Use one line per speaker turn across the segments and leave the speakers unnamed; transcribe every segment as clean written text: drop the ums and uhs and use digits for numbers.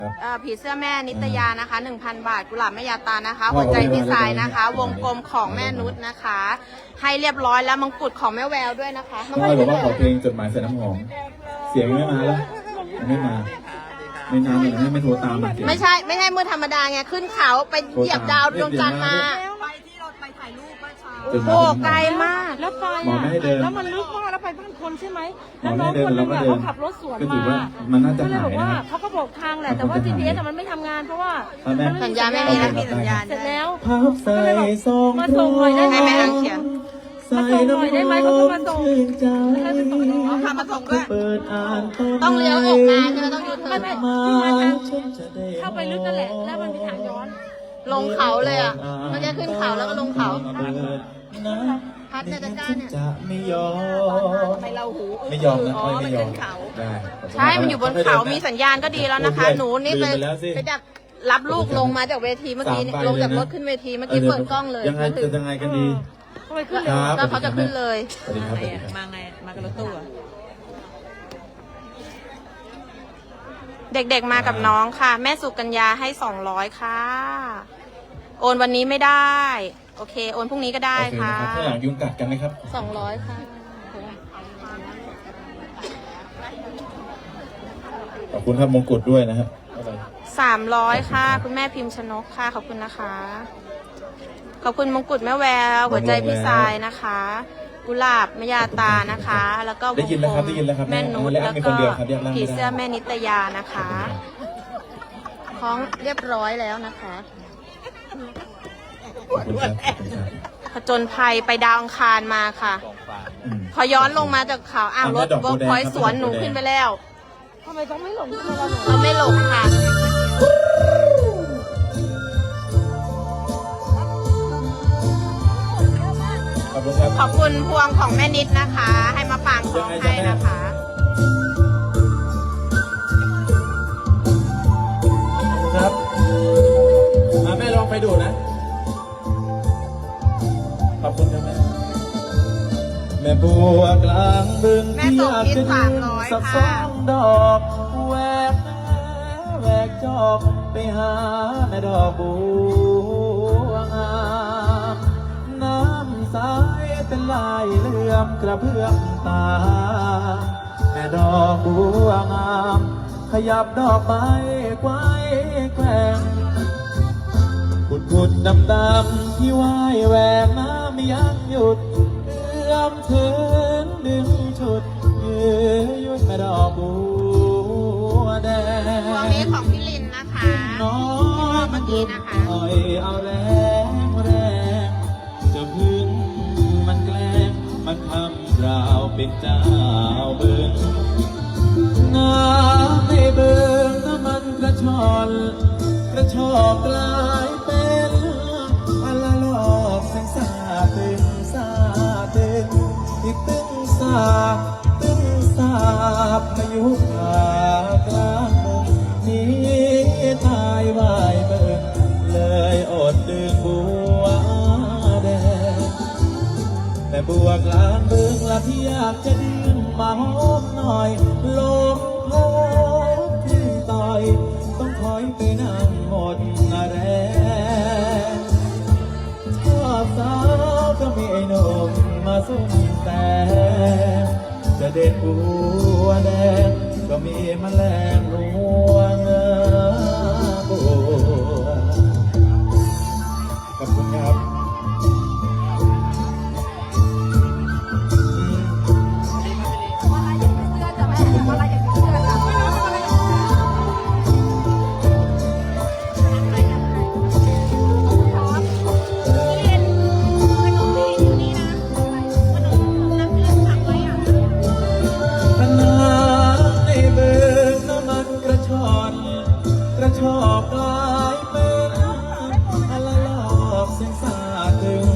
ผีเสื้อแม่นิตยานะคะ 1,000 บาทกุหลาบแม่ยาตานะคะหัวใจพี่สายนะคะ วงกลมของแม่นุชนะคะ ให้เรียบร้อยแล้วมงกุฎของแม่แววด้วยนะคะ
น้องพลอยบอกว่าขอเพลงจดหมายใส่น้ำหอมเสียงไม่มาแล้วไม่มาไม่นานเลยไม่โทรตาม
ไม่ใช่มือธรรมดาไงขึ้นเขาไปเหยียบดาวดวงจันทร์มา
ไปที่เราไปถ่ายรูปเมื่อเช้า
โอ้โหไกลมาก
แล้วไปแล้วมันลึกมากแล้วไปบ้านคนใช่ไหมแล้วน้องคนนึงเขาขับรถสวนมา
ก็เลย
บอกว่าเขาก็บอกทางแหละแต่ว่า GPS มันไม่ทำงานเพราะว่า
สัญญาณไม่มีแล้วมีสัญญาณ
เสร็จแล้ว
ก็เลยบอก
มาส่งหน่อยได้ไหม
ให้แม่อังเขียน
มาส่งหน่อยได้ไหมเขาก็มาส่ง
พามาส่งด้วยต้องเลี้ยวออกมาใช่ไหมต้องยูเทิร์น
เข้าไปลึกนั่นแหละแล้วมันมีทางย้อน
ลงเขาเลยอ่ะมันจะขึ้นเขาแล้วก็ลงเขาพัดเนี่ยจะกล้าเนี่ย
ไม่ยอม
ไปเราหู
ไม่ยอมนะไม่ยอม
ใช่มันอยู่บนเขามีสัญญาณก็ดีแล้วนะคะหนูนี่ไปดักรับลูกลงมาจากเวทีเมื่อกี้ลงจากรถขึ้นเวทีเมื่อกี้เปิดกล้องเลย
ยังไงกันดี
ก็เขาจะขึ้นเลย
มาไงมากับรถตู้
เด็กๆมากับน้องค่ะแม่สุกัญญาให้200ค่ะโอนวันนี้ไม่ได้โอเคโอนพรุ่งนี้ก็ได้ค่ะ
ถ้าอยากยุงกัดกันนะครับ
200ค่ะ
ขอบคุณครับมงกุฎด้วยนะครับ
300ค่ะคุณแม่พิมพ์ชนกค่ะขอบคุณนะคะขอบคุณมงกุฎแม่แววหัวใจพี่ทรายนะคะกุหลาบแม่ยาตานะคะแล้วก็
ได้ยินแล้วครับ
แม่นุชแล้วก็ผีเสื้อแม่นิตยานะคะคล้องเรียบร้อยแล้วนะคะผจญภัยไปดาวอังคารมาค่ะพอย้อนลงมาจากเขารถเวิร์กพอยต์สวนหนูขึ้นไปแล้ว
ทำไมต้องไม่หลง
เราไม่หลงค่ะขอบคุณพวงของแม่นิดนะคะให้มาปางคล้องให้นะคะ
ครับมาแม่ลองไปดูนะขอบคุณครับแม่บัวกลางบึง
ที่อยากจะดื่ม
สัก2 ดอกแวกจอกไปหาแม่ดอกบัวงามน้ำใสเป็นลายเหลื่อมกระเพื่อมตาแม่ดอกบัวงามขยับดอกไม้ไกวแกว่งขุดดำที่ว่ายแหวกน้ำยังหยุดเอื้อมถึงดึงชุดยืดแม่ดอกบัวแดง
พวงนี้ของพี่ลินนะคะ
น้อง
เมื่อกี้นะคะ
เอาแรงจะพึ่งมันแกล้งมันทำเราเป็นเจ้าเบิ่งน้ำในเบิ่งน้ำมันกระชอกกลายเป็นอัลลอกแสงสาตึงอีกตึงสาบพายุขากลางเมืองนี้ทายวายเบิ่งเลยอดดื่มบัวแดงแต่บัวกลางเมืองละที่อยากจะดื่มมาหอมหน่อยลมพัดขึ้นต่อยต้องถอยไปนั่งหมดแรงชอบสาวก็มีไอ้หนุ่มมาสุ่มแต่จะเด็ดบัวแดงก็มีแมลงลวงบัวขอบคุณครับชอบกลายเป็นอัลลอกเสียงสาตึง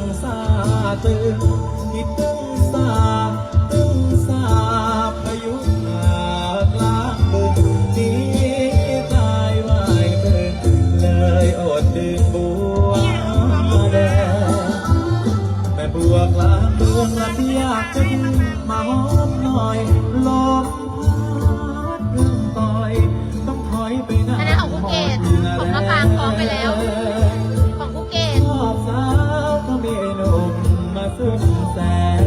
ที่ตึงสาพายุขากลางบึงนี้ตายวายเบิ่งเลยอดดื่มบัวแดงแม่บัวกลางเมืองละที่อยากจะดื่มมาหอมหน่อยลมพัดเรื่องต่อยต้องถอยไปนั่งสุดแสน